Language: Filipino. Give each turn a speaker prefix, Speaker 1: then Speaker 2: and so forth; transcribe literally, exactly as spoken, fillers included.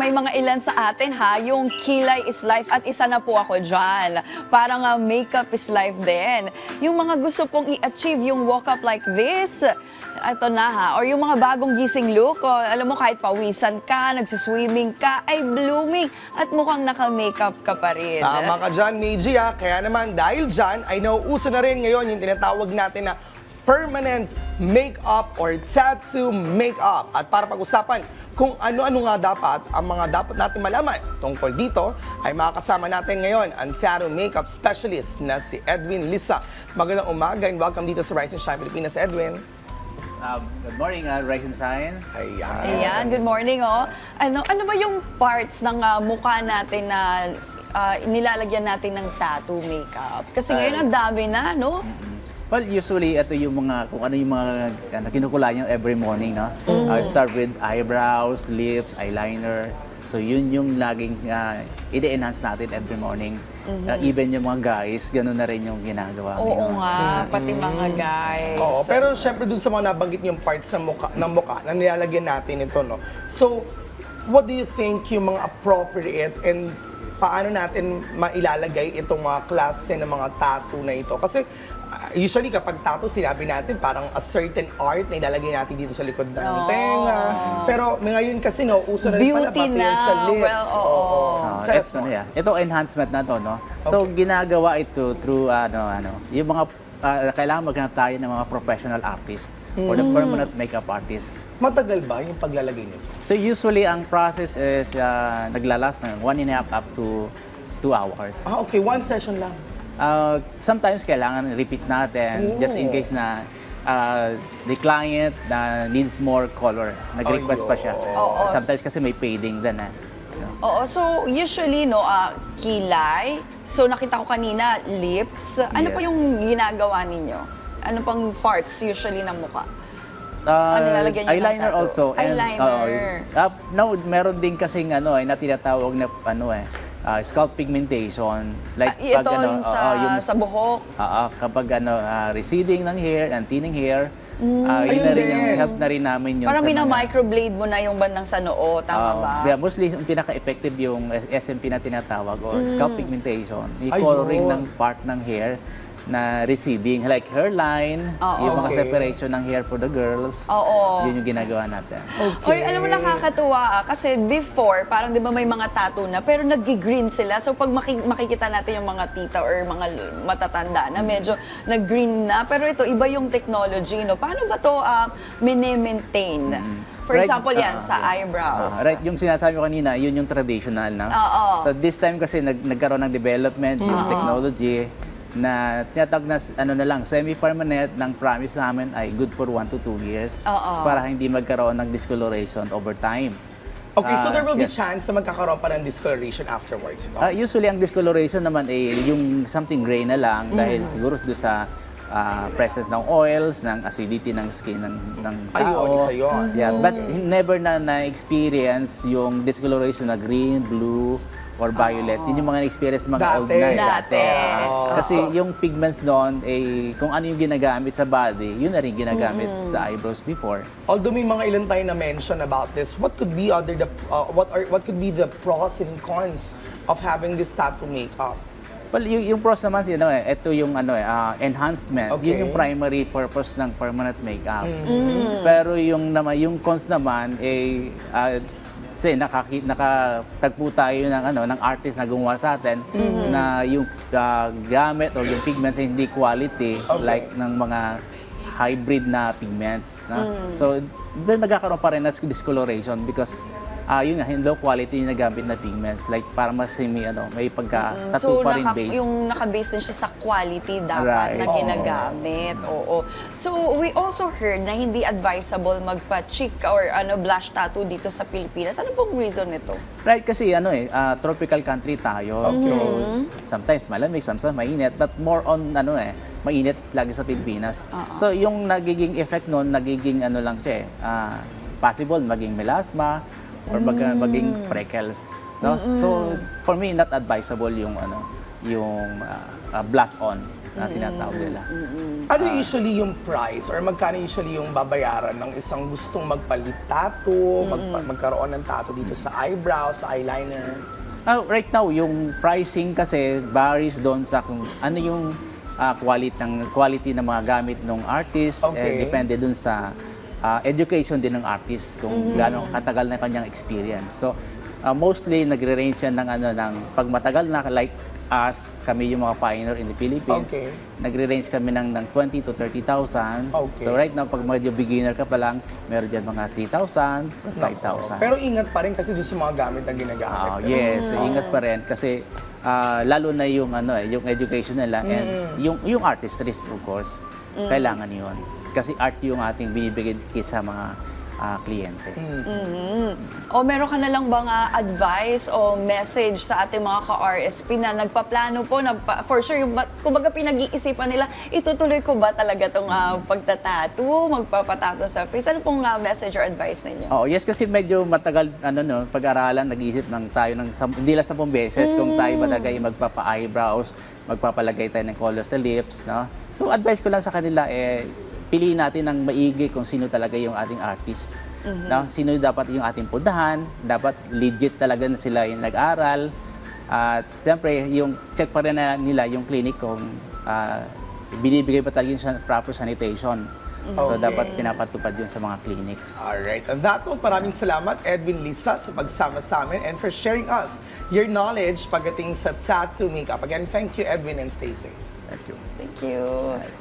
Speaker 1: may mga ilan sa atin ha, yung kilay is life at isa na po ako dyan. Parang uh, makeup is life din. Yung mga gusto pong i-achieve yung walk up like this, ito na ha, or yung mga bagong gising look, o, alam mo kahit pawisan ka, nagsiswimming ka, ay blooming at mukhang naka-makeup ka pa rin.
Speaker 2: Tama ka dyan, Meiji, ha? Kaya naman, dahil dyan, ay nauuso na rin ngayon yung tinatawag natin na permanent makeup or tattoo makeup. At para pag-usapan kung ano-ano nga dapat ang mga dapat natin malaman tungkol dito, ay makakasama natin ngayon ang tattoo makeup specialist na si Edwin Lisa. Magandang umaga and welcome dito sa Rise and Shine Pilipinas, Edwin.
Speaker 3: Um, good morning, uh, Rise and Shine.
Speaker 2: Ayan.
Speaker 1: Ayan, good morning oh. Ano, ano ba yung parts ng uh, mukha natin na uh, nilalagyan natin ng tattoo makeup? Kasi ngayon ang dami na, no?
Speaker 3: Well, usually, ito yung mga, kung ano yung mga ano, kinukulay nyo every morning, no? Uh, start with eyebrows, lips, eyeliner. So, yun yung laging uh, i-enhance natin every morning. Uh, even yung mga guys, gano'n na rin yung ginagawa.
Speaker 1: Oo
Speaker 3: ngayon.
Speaker 1: nga, pati mga guys.
Speaker 2: Oo, pero syempre dun sa mga nabanggit yung parts ng mukha, ng mukha na nilalagyan natin ito, no? So, what do you think yung mga appropriate and paano natin mailalagay itong mga klase ng mga tattoo na ito? Kasi uh, usually kapag tattoo, sinabi natin parang a certain art na ilalagay natin dito sa likod ng
Speaker 1: Oo.
Speaker 2: tenga. Pero ngayon kasi, no, uso na rin pala
Speaker 1: Beauty
Speaker 2: pati
Speaker 1: na.
Speaker 2: yan sa lips.
Speaker 1: Well, oo.
Speaker 3: Uh,
Speaker 2: Sa
Speaker 3: ito, ano yan, ito enhancement na to, no? So, ginagawa ito through, ano, ano, yung mga, uh, kailangan maghanap tayo ng mga professional artist or the permanent makeup artist.
Speaker 2: Matagal ba yung paglalagay nito?
Speaker 3: So, usually, ang process is uh, naglalas ng one and a half up to two hours.
Speaker 2: Ah, okay. One session lang.
Speaker 3: Uh, sometimes kailangan repeat natin
Speaker 2: Oh.
Speaker 3: just in case na uh, the client na need more color. Nag-request pa siya.
Speaker 1: Oo.
Speaker 3: Sometimes kasi may fading din eh.
Speaker 1: Oo, so usually no, ah, kilay. So nakita ko kanina, lips. Ano
Speaker 3: Yes.
Speaker 1: pa yung ginagawa ninyo? Ano pang parts usually ng mukha?
Speaker 3: Uh,
Speaker 1: Ano nilalagyan niyo ng
Speaker 3: eyeliner
Speaker 1: tattoo?
Speaker 3: also.
Speaker 1: Eyeliner.
Speaker 3: uh, uh, now, meron din kasing ano eh, na tinatawag na ano eh, uh, scalp pigmentation. Like
Speaker 1: Ah, ito
Speaker 3: ano,
Speaker 1: yung sa,
Speaker 3: oo, yung
Speaker 1: sa buhok.
Speaker 3: Oo, kapag ano, ah, receding ng hair and thinning hair, ah, yun
Speaker 2: Ayun
Speaker 3: na rin
Speaker 2: din.
Speaker 3: yung help na rin namin yun
Speaker 1: Parang
Speaker 3: sa mga-
Speaker 1: mina-microblade mo na yung bandang sa noo, tama
Speaker 3: Oo.
Speaker 1: ba?
Speaker 3: Yeah, mostly, yung pinaka-effective yung S M P na tinatawag or
Speaker 1: Mm.
Speaker 3: scalp pigmentation. Yung
Speaker 2: Ayun.
Speaker 3: coloring ng part ng hair na receding, like hairline,
Speaker 1: Oo.
Speaker 3: yung mga
Speaker 2: Okay.
Speaker 3: separation ng hair for the girls.
Speaker 1: Oo.
Speaker 3: Yun yung ginagawa natin.
Speaker 1: Oy, alam mo, nakakatuwa ah, kasi before, parang di ba may mga tattoo na, pero nag-green sila. So pag maki- makikita natin yung mga tita or mga l- matatanda na medyo nag-green na, pero ito, iba yung technology, no? Paano ba to uh, mini-maintain? For
Speaker 3: Right,
Speaker 1: example, yan,
Speaker 3: ah,
Speaker 1: sa
Speaker 3: yeah.
Speaker 1: eyebrows.
Speaker 3: Ah, right, yung sinasabi ko kanina, yun yung traditional na.
Speaker 1: Oo.
Speaker 3: So this time kasi nag nagkaroon ng development yung technology na tinatawag na ano na lang, semi-permanent, ng promise namin ay good for one to two years
Speaker 1: Oo.
Speaker 3: para hindi magkaroon ng discoloration over time.
Speaker 2: Okay, so
Speaker 3: Ah,
Speaker 2: there will be
Speaker 3: yes.
Speaker 2: chance na magkakaroon pa ng discoloration afterwards ito?
Speaker 3: Ah, usually ang discoloration naman ay yung something gray na lang dahil siguro doon sa ah, presence ng oils, ng acidity ng skin ng, ng tao.
Speaker 2: Ayun, isa yun.
Speaker 3: Yeah, but never na na-experience yung discoloration na green, blue, or violet. Yun yung mga na-experience ng mga
Speaker 2: Dati.
Speaker 3: old na eh.
Speaker 1: Dati.
Speaker 3: Ah,
Speaker 2: Oh.
Speaker 3: kasi
Speaker 2: So-
Speaker 3: yung pigments doon, eh, kung ano yung ginagamit sa body, yun na rin ginagamit sa eyebrows before.
Speaker 2: Although may mga ilan tayo na mention about this, what could be other the uh, what are what could be the pros and cons of having this tattoo makeup?
Speaker 3: Well, yung, yung pros naman, you know, eh, ito yung ano, eh, ah, enhancement.
Speaker 2: Okay.
Speaker 3: Yun yung primary purpose ng permanent makeup. Pero yung naman, yung cons naman, eh, ah, kasi nakaki, nakatagpo tayo ng, ano, ng artist na gumawa sa atin na yung ah, gamit or yung pigments ay hindi quality
Speaker 2: Okay.
Speaker 3: like ng mga hybrid na pigments. No? So, doon nagkakaroon pa rin ng discoloration because ah yun nga, low quality yung nagamit na pigments. Like, para mas may, ano, may pagka-tattoo pa rin
Speaker 1: naka-
Speaker 3: base.
Speaker 1: yung naka-base din siya sa quality dapat
Speaker 3: Right.
Speaker 1: na
Speaker 3: Oo.
Speaker 1: ginagamit. Oo. So, we also heard na hindi advisable magpa-cheek or ano blush tattoo dito sa Pilipinas. Ano pong reason nito?
Speaker 3: Right, kasi ano eh, ah, tropical country tayo.
Speaker 2: Okay.
Speaker 3: So, sometimes malamig, sometimes mainit, but more on ano eh, mainit lagi sa Pilipinas. So, yung nagiging effect nun, nagiging ano lang siya eh, ah, possible maging melasma or mag, maging freckles. So, so, for me, not advisable yung ano, yung ah, ah, blush on. na tinatawag nila.
Speaker 2: Ano usually yung price or magkano usually yung babayaran ng isang gustong magpalit tattoo, magpa- magkaroon ng tattoo dito sa eyebrow, sa eyeliner?
Speaker 3: Ah, right now, yung pricing kasi varies doon sa kung ano yung ah, quality ng quality ng mga gamit ng artist.
Speaker 2: Okay.
Speaker 3: Eh, depende doon sa ah, education din ng artist kung gaano katagal na kanyang experience. So, ah, mostly nagre-range yan ng ano ng pag matagal na like us, kami yung mga pioneer in the Philippines.
Speaker 2: Okay.
Speaker 3: Nagre-range kami ng ng twenty to thirty thousand.
Speaker 2: Okay.
Speaker 3: So right now, pag medyo beginner ka pa lang, meron dyan mga three thousand, five thousand.
Speaker 2: Pero ingat pa rin kasi doon sa mga gamit na ginagamit.
Speaker 3: Ah, yes, ingat pa rin kasi ah, lalo na yung ano eh, yung education nila and yung yung artistry of course. Kailangan 'yun. Kasi art yung ating binibigay kit sa mga ah, kliyente.
Speaker 1: O meron ka na lang bang ah, advice o message sa ating mga ka-R S P na nagpaplano po, na pa- for sure, yung, ba- kumbaga pinag-iisipan nila, itutuloy ko ba talaga itong uh, pagtatato, magpapatato sa face? Ano pong ah, message or advice ninyo?
Speaker 3: Oo, yes kasi medyo matagal ano no, pag-aralan, nag-iisip ng tayo ng sam- hindi lang sampung beses kung tayo ba talaga yung magpapa-eyebrows, magpapalagay tayo ng color sa lips, no? So advice ko lang sa kanila eh piliin natin ng maigi kung sino talaga yung ating artist. No? Sino dapat yung ating puntahan, dapat legit talaga na sila yung nag-aral. At siyempre, yung check pa rin na nila yung clinic kung ah, binibigay pa talaga yung san- proper sanitation. So
Speaker 2: Okay.
Speaker 3: dapat pinapatupad yun sa mga clinics.
Speaker 2: Alright, on that note, maraming salamat Edwin Lisa sa pagsama sa amin and for sharing us your knowledge pagdating sa tattoo makeup. Again, thank you Edwin and stay safe.
Speaker 3: Thank you.
Speaker 1: Thank you.